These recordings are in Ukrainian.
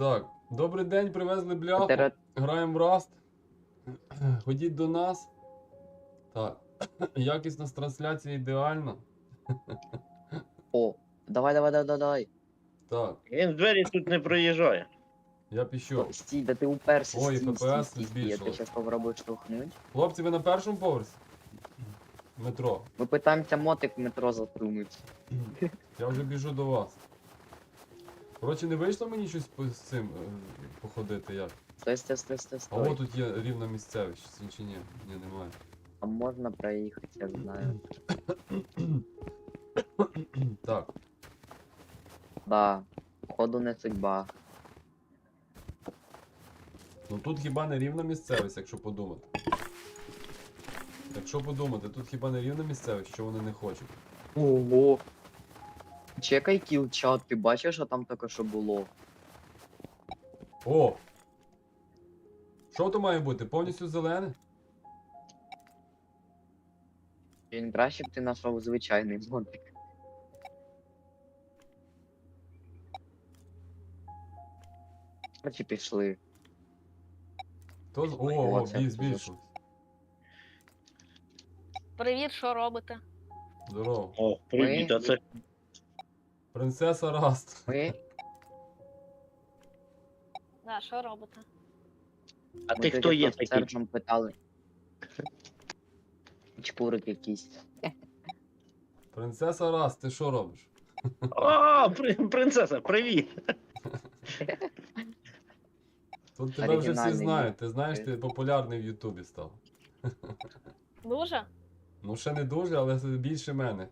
Так, добрий день, привезли бляху. Граємо в Rust. Ходіть до нас. Так. Якісність трансляції ідеальна. О, давай. Так, Він двері тут не проїжджає. я пішов. Стій, да ти уперся, Ой, стій. Я збільшилось. тебе зараз попробую штовхнуть. Хлопці, ви на першому поверсі? Метро. Ми питаємося мотик в метро засунути. Я вже біжу до вас. Коротше, не вийшло мені щось з цим походити як? Стой. А от тут є рівна місцевість, чи ні? Ні, немає. А можна проїхати, я знаю. Так, Да, походу не судьба. ну тут хіба не рівна місцевість, якщо подумати. Якщо подумати, тут хіба не рівна місцевість, що вони не хочуть. Ого. Чекай кіл-чат, ти бачиш, що там таке що було? О! Що то має бути? Повністю зелене? Він краще б ти знайшов звичайний мотик. Короче, пішли. О, це збільшилось. Привіт, що робите? Здорово. О, привіт, а це Принцеса Раст. Ми, Да, що робите? а ми ти тоді хто є просто такий? Сержем питали. Чпурик якийсь. Принцеса Раст, ти що робиш? О, принцеса, привіт! Тут тебе вже всі Оригінальний знають. Ти знаєш, ти популярний в Ютубі став. Дуже? Ну ще не дуже, але більше мене.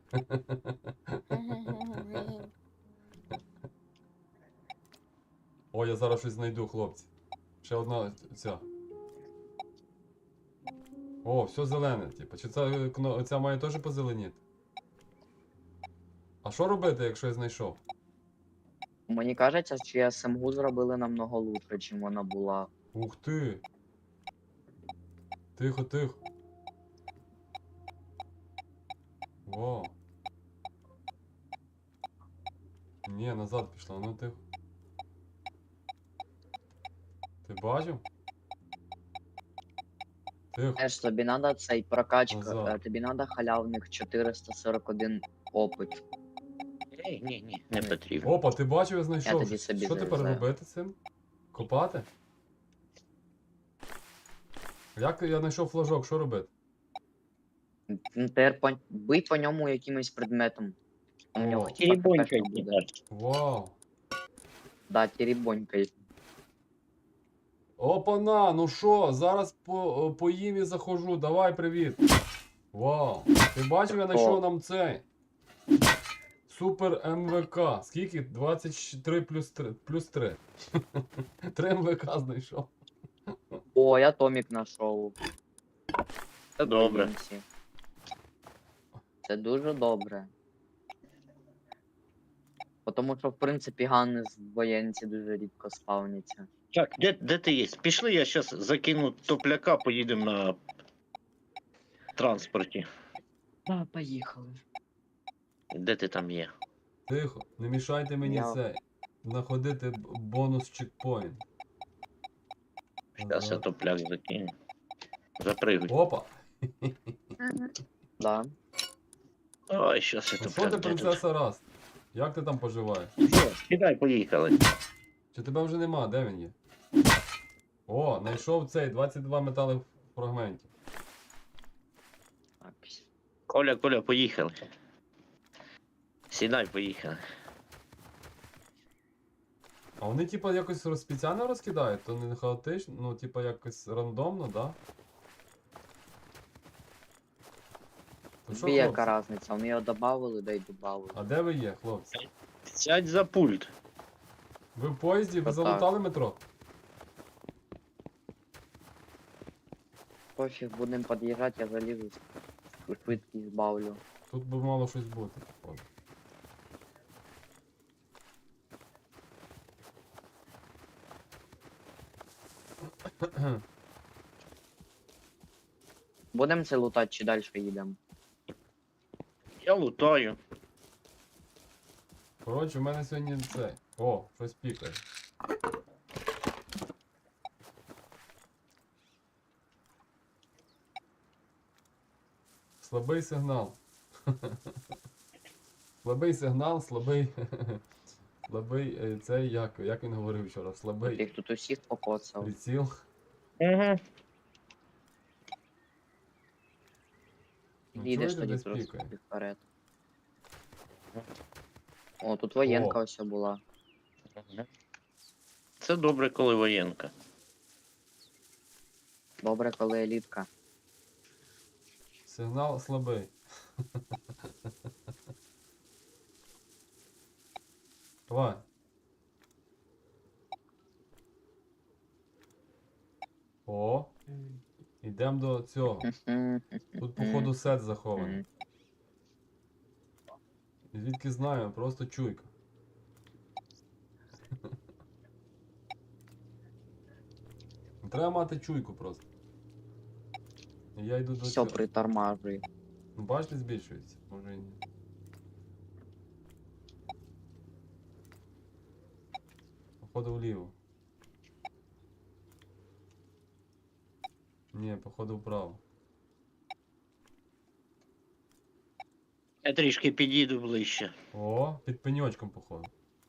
О, я зараз щось знайду, хлопці. Ще одна ця. О, все зелене, типу. Чи ця має теж позеленіти? А що робити, якщо я знайшов? Мені кажеться, що СМГ зробили намного лучше, чим вона була. Ух ти! Тихо. Вау. Ні, назад пішла, ну тихо. Ти бачив? Тихо. Знаєш, тобі надо цей прокачка, Назад. тобі надо халявних 441 опит. Ні, не потрібно. Опа, ти бачив, я знайшов. тоді собі Що тепер завезу. робити цим? Копати? Як я знайшов флажок, що робити? Ну, тепер бий по ньому якимось предметом. У нього О. типа Теребонькай КПшка буде. буде. Вау. Да, теребонькай. Опана, ну що, зараз поїм і заходжу, давай, привіт. Вау. Ти бачив, я знайшов нам цей. Супер МВК. Скільки? 23 плюс 3. 3 МВК знайшов. О, я Томік знайшов. Це добре. Подивимося. Це дуже добре. Тому що, в принципі, гани з воєнці дуже рідко спавняться. Так, де ти є? Пішли, я зараз закину топляка, поїдемо на транспорті. Да, поїхали. Де ти там є? Тихо, не мішайте мені Я- цей. Знаходити бонус чекпоінт. Зараз я топляк закину. Запригуй. Опа. Да. Ой, щас я Ну що топляк. ти, де тут? принцеса Раст? Як ти там поживаєш? Все, кидай, поїхали. Чи тебе вже нема? Де він є? О, знайшов цей 22 метали фрагментів. Так. Коля, поїхали. Сідай, поїхали. А вони типа якось спеціально розкидають, то не хаотично, ну типа якось рандомно, да? То що, Тобі яка хлопці? разниця? Вони його додавали, да й додавали. А де ви є, хлопці? Сядь за пульт. Ви в поїзді, ви Отак. залутали метро? Пофіг, будемо під'їжджати, я залізу, швидкість збавлю. Тут би мало щось бути, походу. Будемо це лутати чи далі їдемо? Я лутаю. Коротше, в мене сьогодні це. О, щось пікає. Слабий сигнал. Слабий сигнал, слабий. Слабий цей, як він говорив вчора, Ти слабий їх тут усіх покоцав. приціл. Угу. Ну, Їдеш чуєте, тоді десь просто пікає? вперед. О, тут воєнка ось була. Це добре, коли воєнка. Добре, коли елітка. Сигнал слабий. Давай. О. Йдемо до цього. Тут, походу, сет захований. І звідки знаю, просто чуйка. Треба мати чуйку просто. І я йду до Все цього. притормажує. Ну, бачите, збільшується? Може і ні. Походу вліво. Ні, походу вправо. Я трішки підійду ближче. О, під пеньочком, походу.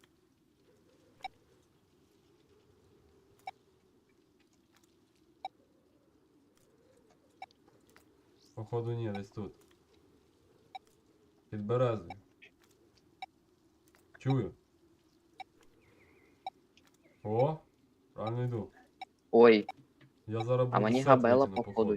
Походу ні, десь тут. Під березою. Чую. О, правильно йду. Ой, Я зараз а буду мені сет габела витягну, походу.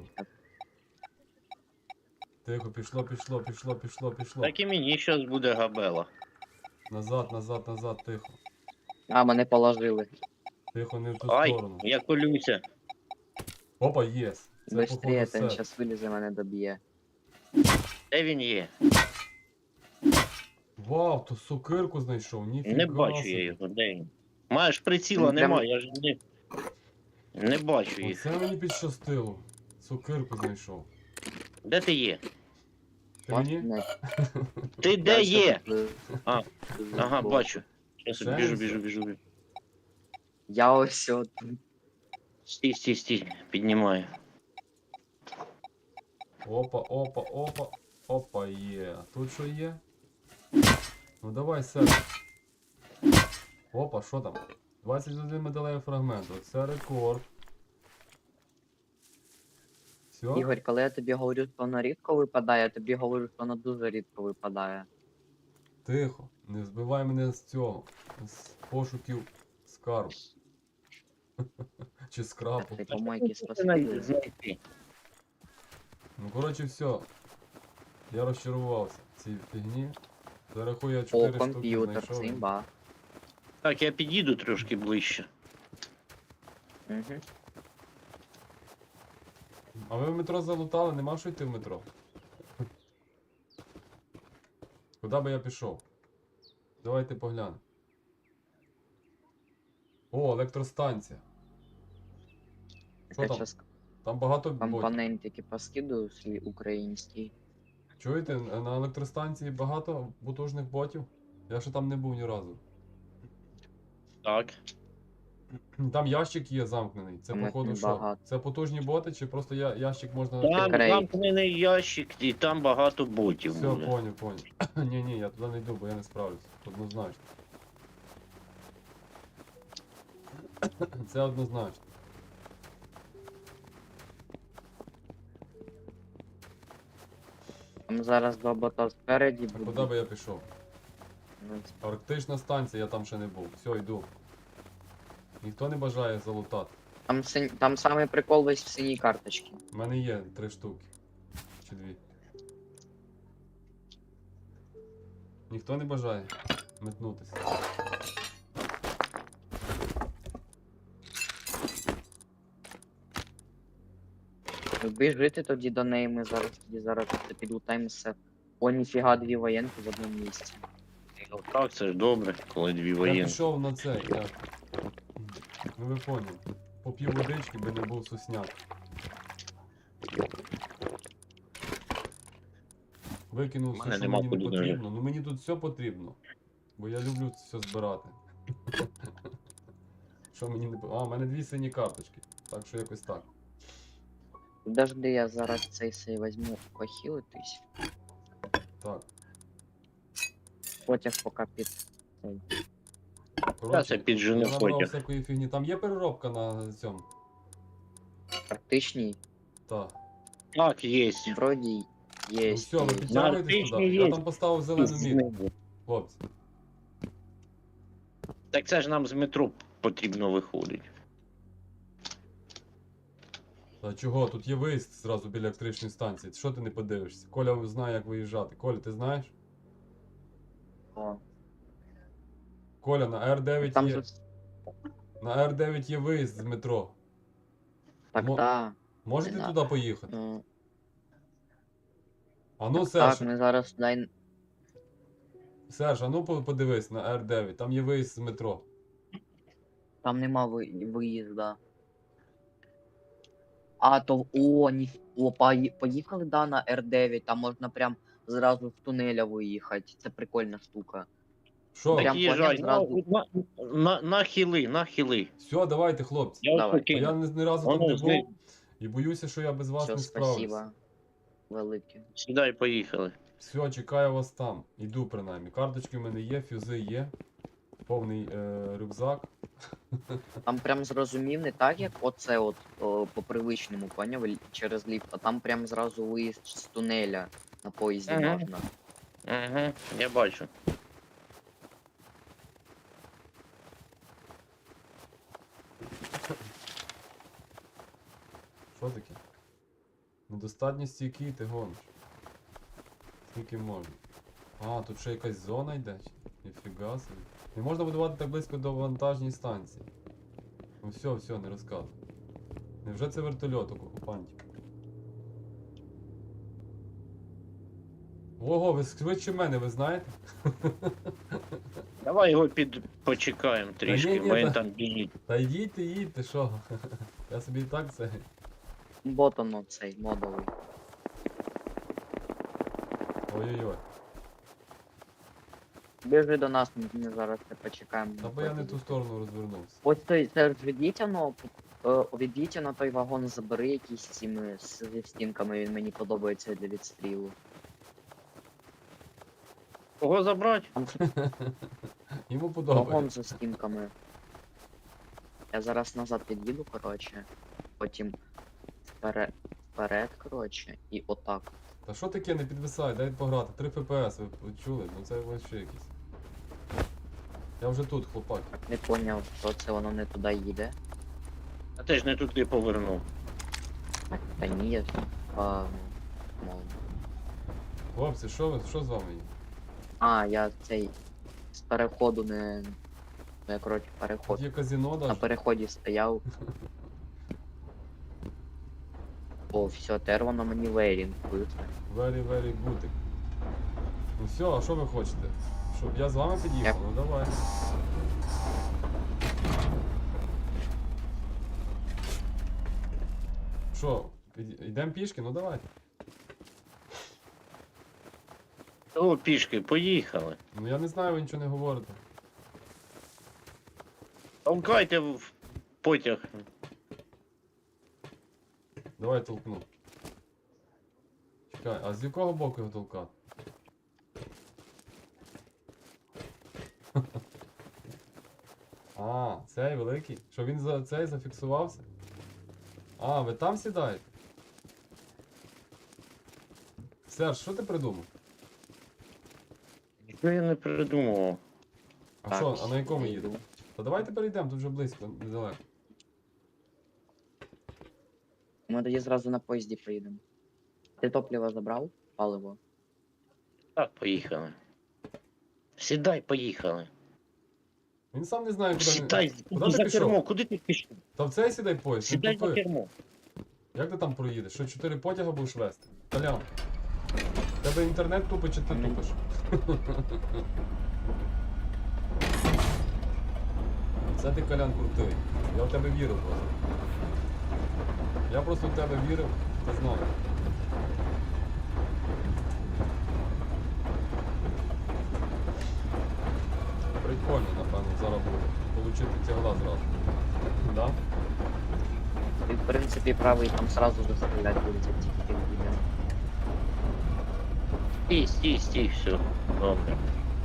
Тихо, пішло. Так і мені щось буде габела. Назад, тихо. А, мене положили. Тихо, не в ту Ай, сторону. я колюся. Опа, єс. Це Быстрее, походу він все. зараз вилізе, мене доб'є. Де він є? Вау, то сокирку знайшов, ніфіга Не бачу собі. я його, де він? Маєш приціла, Він прям- нема, я ж не бачу їх. Оце мені підщастило. Сокирку знайшов. Де ти є? Ти мені? Не, Ти де я є? ще А, тут Ага, був. бачу. Щас Ще біжу. Я ось от. Стій. Піднімаю. Опа, є. А тут що є? Ну давай, сет. Опа, що там? 21 медалевий фрагмент. Оце рекорд. Все? Ігор, коли я тобі говорю, що воно рідко випадає, я тобі говорю, що воно дуже рідко випадає. Тихо. Не збивай мене з цього. З пошуків скарб. Чи скрапу. Ти помойки Це спасибі. знайти. Ну, коротше, все. Я розчарувався в цій фігні. Зарахую я О, 4 штуки комп'ютер, знайшов. це імба. Так, я підійду трошки ближче. Угу. А ви в метро залутали, нема що йти в метро? Куди би я пішов? Давайте поглянемо. О, електростанція. Що Я там? зараз Там багато ботів. компонентики поскидую свій український. Чуєте, на електростанції багато потужних ботів? Я ще там не був ні разу. Так. Там ящик є замкнений. Це Там їх походу що? небагато. Це потужні боти, чи просто ящик можна Там Крейт. замкнений ящик, і там багато ботів Все, буде. поняв. Ні, я туди не йду, бо я не справлюсь. Однозначно. Це однозначно. Там зараз два бота спереді А куди будуть. би я пішов? Арктична станція, я там ще не був. Все, йду. Ніхто не бажає залутати. Там самий прикол весь в синій карточці. У мене є 3 штуки. Чи 2. Ніхто не бажає метнутися. Біжити тоді до неї, ми зараз підлутаємо все. О, ніфіга, дві воєнки в одному місці. Ну, так, це ж добре, коли дві Я воєнки. пішов на це, як. Ну ви поняли. Поп'ю водички, би не був сусняк. Викинув У все, мене що нема мені не куди потрібно. Ну мені тут все потрібно. Бо я люблю все збирати. Що мені не А, у мене 2 сині карточки. Так що якось так. Подожди, я зараз цей сей візьму похилитись. Так. Потяг поки під цей. Та Коротше, це піджене я набрав потяг. всякої фігні. Там є переробка на цьому? Практичній. Так. Так, є. Вроді Ну є. все, ви є. підтягуєтесь туди. Наркотичний Я є. там поставив зелену мітку, хлопці. Так це ж нам з метро потрібно виходить. Та чого? Тут є виїзд зразу біля електричної станції. Що ти не подивишся? Коля знає, як виїжджати. Коля, ти знаєш? О, Коля, на Р9 там є. же... На Р9 є виїзд з метро. Так, Мо- так. Можете Не туди поїхати? Ну, А ну, так, Серж, ми зараз туди... Серж, а ну подивись на Р9, там є виїзд з метро. Там нема виїзда. А, то... О, поїхали, да, на Р9, там можна прям зразу з тунеля виїхати. Це прикольна штука. Що? Прям Їжджай, поняв зразу. нахили. Все, давайте, хлопці. Я Давай. ось А я ні разу Воно тут не зни- був і боюся, що я без вас Все, не справлюсь. спасибо. Велике. Сідай, поїхали. Все, чекаю вас там. Іду принаймні. Карточки в мене є, фюзи є. Повний рюкзак. Там прям зрозумів не так, як оце от по привичному, поняв, через ліфт, а там прям зразу виїзд з тунеля на поїзді Ага. можна. Угу, я бачу. Що таке? Недостатньо стійкий, ти гониш. Скільки можна? А, тут ще якась зона йде. Ніфіга собі. Не можна будувати так близько до вантажній станції. Ну все, не розказуй. Невже це вертольот окупантів? Ого, ви швидше мене, ви знаєте? Давай його почекаємо трішки, ні, бо він та- там біжить. Та їдьте, що? Я собі і так це. Ботано цей модовий. Ой-ой-ой. Біжи до нас, ми зараз це почекаємо. Та бо я не ту сторону розвернувся. Ось той Серж, відійдіть на той вагон, забери якісь цими зі стінками, він мені подобається для відстрілу. Кого забрати? Там Йому подобається. вагон зі стінками. Я зараз назад під'їду, коротше. Потім вперед, коротше, і отак. Та що таке, не підвисай, дай пограти. 3 ФПС, ви чули? Ну це вообще якісь. Я вже тут, хлопак. Не поняв, що це воно не туди їде. А ти ж не туди повернув. Так, та ні, я мов. Хлопці, що з вами є? А, я цей з переходу не. Я, коротше, Тут переход. є казино На даже. переході стояв. О, все, тепер воно мені вейрінг вийде. Very good. Ну все, а що ви хочете? Щоб я з вами під'їхав? Ну давай. Що, йдемо пішки? Ну давайте. О, пішки, поїхали. Ну я не знаю, ви нічого не говорите. Толкайте в потяг. Давай толкну. Чекай, а з якого боку його толкати? А, цей великий? Що він за цей зафіксувався? А, ви там сідаєте? Серж, що ти придумав? Що я не придумував? А що, а на якому їдемо? Та давайте перейдемо, тут вже близько, недалеко. Ми тоді зразу на поїзді поїдемо. Ти топливо забрав? Паливо. Так, поїхали. Сідай, поїхали. Він сам не знає, куди Сідай, Куди ти за пішов? кермо, куди ти пішов? Та в цей сідай поїзд, він Сідай за тупий. кермо. Як ти там проїдеш? Що, 4 потяга будеш вести? Толян. В тебе інтернет тупить чи ти Ні. тупиш? Це ти, Колян, крутий. Я в тебе вірив просто. Я просто в тебе вірив, ти знав. Прикольно, напевно, зараз буде. Получити тягла зразу. Да? Ти, в принципі, правий там сразу застріляти будете тільки буде. Стій, все. Добре.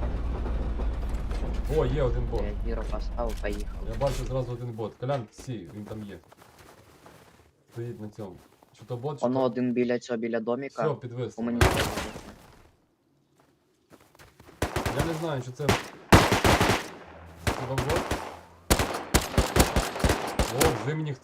О, є один бот. Я Віро поставив, поїхав. Я бачу зразу один бот. Колян, сі, він там є. Стоїть на цьому. Чи то бот, чи Воно то... один біля цього, біля доміка. Все, підвис. По мені треба. Я не знаю, чи це... Хіба бот? О, в зимніх